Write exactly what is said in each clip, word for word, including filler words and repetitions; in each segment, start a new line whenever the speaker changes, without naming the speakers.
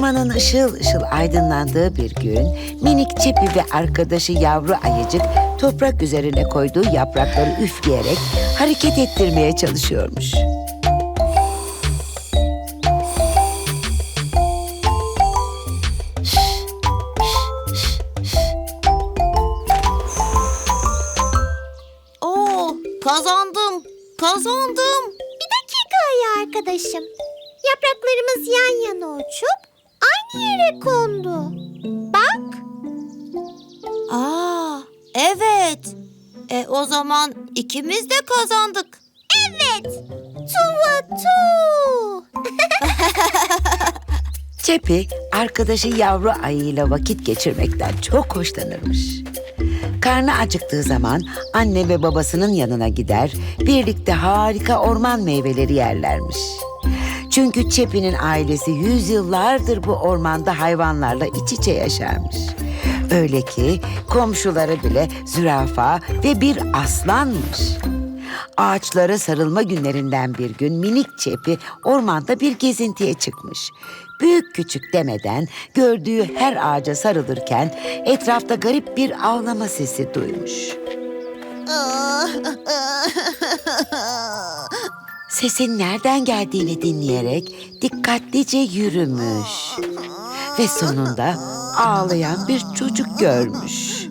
Ormanın ışıl ışıl aydınlandığı bir gün minik Çepi ve arkadaşı yavru ayıcık toprak üzerine koyduğu yaprakları üfleyerek hareket ettirmeye çalışıyormuş.
Oo, kazandım, kazandım.
Bir dakika ayı arkadaşım. Yapraklarımız yan yana uçup aynı yere kondu. Bak.
Aa, evet. E o zaman ikimiz de kazandık.
Evet. Tuva tu.
Çepi, arkadaşı yavru ayıyla vakit geçirmekten çok hoşlanırmış. Karnı acıktığı zaman anne ve babasının yanına gider, birlikte harika orman meyveleri yerlermiş. Çünkü Çepi'nin ailesi yüzyıllardır bu ormanda hayvanlarla iç içe yaşarmış. Öyle ki komşuları bile zürafa ve bir aslanmış. Ağaçlara sarılma günlerinden bir gün minik Çepi ormanda bir gezintiye çıkmış. Büyük küçük demeden gördüğü her ağaca sarılırken etrafta garip bir ağlama sesi duymuş. Sesin nereden geldiğini dinleyerek dikkatlice yürümüş. Ve sonunda ağlayan bir çocuk görmüş.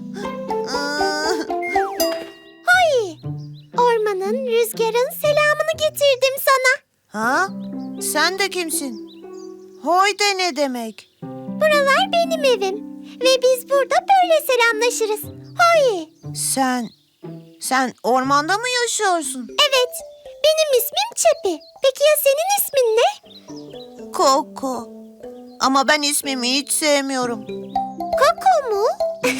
Hoy. Ormanın, rüzgarın selamını getirdim sana.
Ha? Sen de kimsin? Hoy de ne demek?
Buralar benim evim. Ve biz burada böyle selamlaşırız. Hoy.
Sen, sen ormanda mı yaşıyorsun?
Evet. Benim ismim Çepi. Peki ya senin ismin ne?
Koko. Ama ben ismimi hiç sevmiyorum.
Koko mu?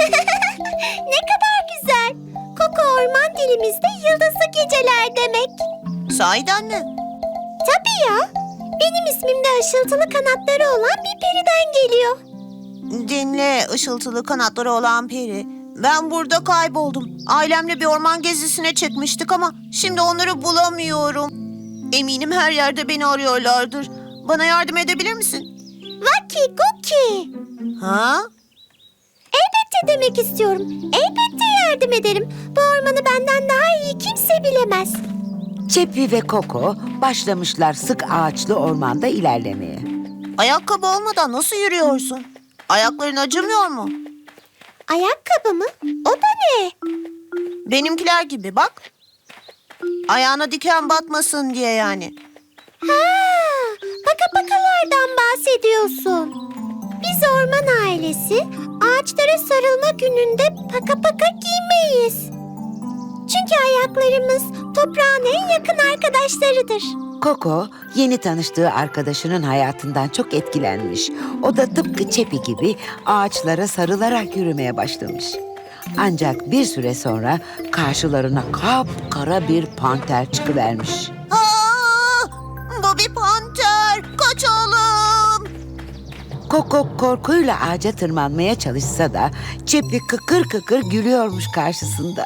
Ne kadar güzel. Koko orman dilimizde yıldızlı geceler demek.
Sahiden mi?
Tabii ya. Benim ismim de ışıltılı kanatları olan bir periden geliyor.
Dinle ışıltılı kanatları olan peri. Ben burada kayboldum. Ailemle bir orman gezisine çıkmıştık ama şimdi onları bulamıyorum. Eminim her yerde beni arıyorlardır. Bana yardım edebilir misin?
Vaki Guki.
Ha?
Elbette demek istiyorum. Elbette yardım ederim. Bu ormanı benden daha iyi kimse bilemez.
Çepi ve Koko başlamışlar sık ağaçlı ormanda ilerlemeye.
Ayakkabı olmadan nasıl yürüyorsun? Ayakların acımıyor mu?
Ayakkabı mı? O da ne?
Benimkiler gibi bak. Ayağına diken batmasın diye yani.
Ha, paka pakalardan bahsediyorsun. Biz orman ailesi ağaçlara sarılma gününde paka paka giymeyiz. Çünkü ayaklarımız toprağın en yakın arkadaşlarıdır.
Koko yeni tanıştığı arkadaşının hayatından çok etkilenmiş. O da tıpkı Çepi gibi ağaçlara sarılarak yürümeye başlamış. Ancak bir süre sonra karşılarına kapkara bir panter çıkıvermiş.
Aa, bu bir panter. Kaçalım.
Koko korkuyla ağaca tırmanmaya çalışsa da Çepi kıkır kıkır gülüyormuş karşısında.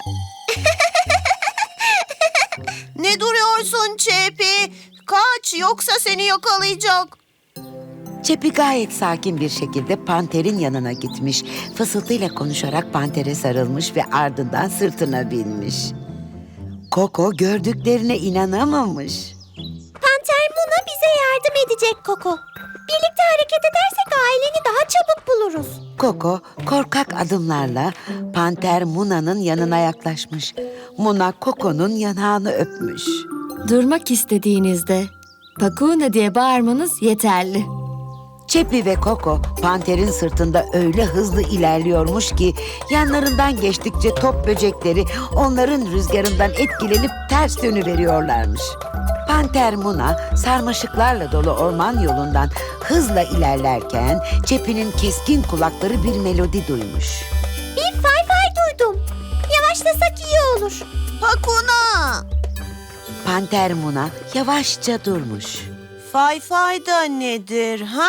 Ne duruyorsun Çepi? Kaç yoksa seni yakalayacak.
Çepi gayet sakin bir şekilde panterin yanına gitmiş. Fısıltıyla konuşarak pantere sarılmış ve ardından sırtına binmiş. Koko gördüklerine inanamamış.
Panter Muna bize yardım edecek Koko. Birlikte hareket edersek aileni daha çabuk buluruz.
Koko korkak adımlarla panter Muna'nın yanına yaklaşmış. Muna Koko'nun yanağını öpmüş.
Durmak istediğinizde Pakuna diye bağırmanız yeterli.
Çepi ve Koko panterin sırtında öyle hızlı ilerliyormuş ki yanlarından geçtikçe top böcekleri onların rüzgarından etkilenip ters dönüveriyorlarmış. Panter Muna sarmaşıklarla dolu orman yolundan hızla ilerlerken Çepi'nin keskin kulakları bir melodi duymuş.
Bir fay fay duydum. Yavaşlasak iyi olur.
Hakuna.
Panter Muna yavaşça durmuş.
Fay fay da nedir ha?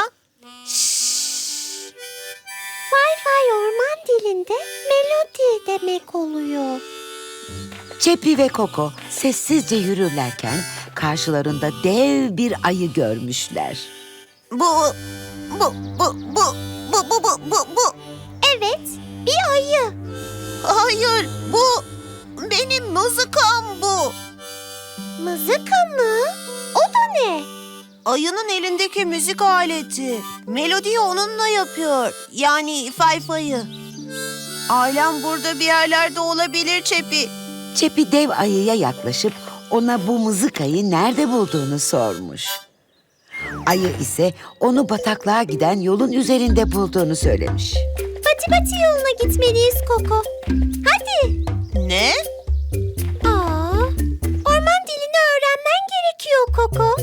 Fay fay orman dilinde melodi demek oluyor.
Çepi ve Koko sessizce yürürlerken karşılarında dev bir ayı görmüşler.
Bu, Bu, bu, bu, bu, bu, bu, bu, bu.
Evet, bir ayı.
Hayır, bu benim mızıkam bu.
Mızıka mı? O da ne?
Ayının elindeki müzik aleti. Melodiyi onunla yapıyor. Yani fayfayı. Ailem burada bir yerlerde olabilir Çepi.
Çepi dev ayıya yaklaşıp ona bu mızıkayı nerede bulduğunu sormuş. Ayı ise onu bataklığa giden yolun üzerinde bulduğunu söylemiş.
Pati pati yoluna gitmeliyiz Koko. Hadi.
Ne?
Aa, orman dilini öğrenmen gerekiyor Koko.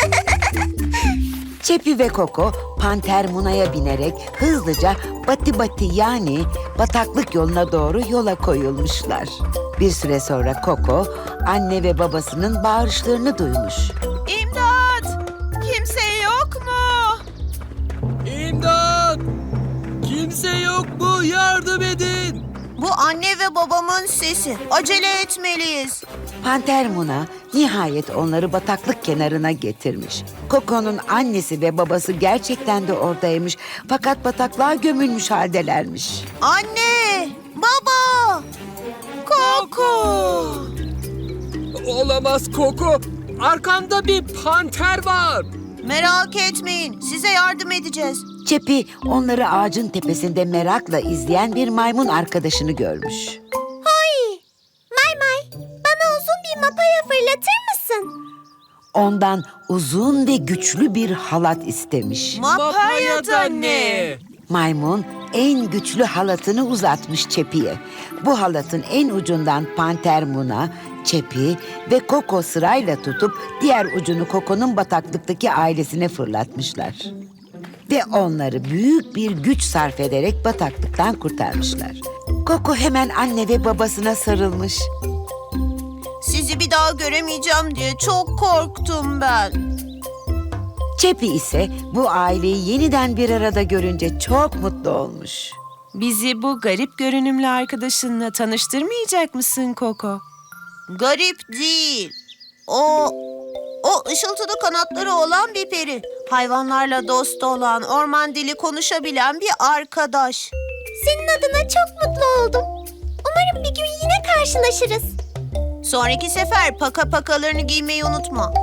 Çepi ve Koko Panter Muna'ya binerek hızlıca Bati Bati yani bataklık yoluna doğru yola koyulmuşlar. Bir süre sonra Koko anne ve babasının bağırışlarını duymuş.
İmdat! Kimse yok mu?
İmdat! Kimse yok mu? Yardım edin!
Bu anne ve babamın sesi. Acele etmeliyiz.
Panter Muna nihayet onları bataklık kenarına getirmiş. Koko'nun annesi ve babası gerçekten de oradaymış. Fakat bataklığa gömülmüş haldelermiş.
Anne! Baba! Koko!
Olamaz Koko! Arkanda bir panter var!
Merak etmeyin. Size yardım edeceğiz.
Çepi onları ağacın tepesinde merakla izleyen bir maymun arkadaşını görmüş.
Hay, May May, bana uzun bir mapaya fırlatır mısın?
Ondan uzun ve güçlü bir halat istemiş.
Mapaya da ne?
Maymun en güçlü halatını uzatmış Çepi'ye. Bu halatın en ucundan Panter Muna, Çepi ve Koko sırayla tutup diğer ucunu Koko'nun bataklıktaki ailesine fırlatmışlar. Ve onları büyük bir güç sarf ederek bataklıktan kurtarmışlar. Koko hemen anne ve babasına sarılmış.
Sizi bir daha göremeyeceğim diye çok korktum ben.
Çepi ise bu aileyi yeniden bir arada görünce çok mutlu olmuş.
Bizi bu garip görünümlü arkadaşınla tanıştırmayacak mısın Koko?
Garip değil. O, o ışıltılı kanatları olan bir peri. Hayvanlarla dost olan, orman dili konuşabilen bir arkadaş.
Senin adına çok mutlu oldum. Umarım bir gün yine karşılaşırız.
Sonraki sefer paka pakalarını giymeyi unutma.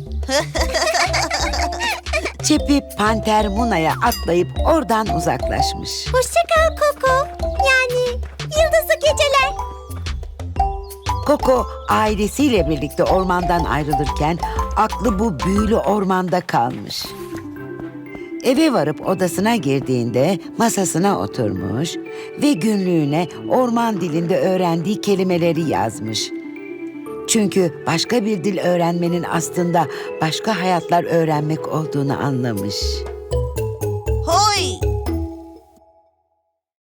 Çepi Panter Muna'ya atlayıp oradan uzaklaşmış.
Hoşça kal Koko. Yani yıldızlı geceler.
Koko ailesiyle birlikte ormandan ayrılırken aklı bu büyülü ormanda kalmış. Eve varıp odasına girdiğinde masasına oturmuş ve günlüğüne orman dilinde öğrendiği kelimeleri yazmış. Çünkü başka bir dil öğrenmenin aslında başka hayatlar öğrenmek olduğunu anlamış.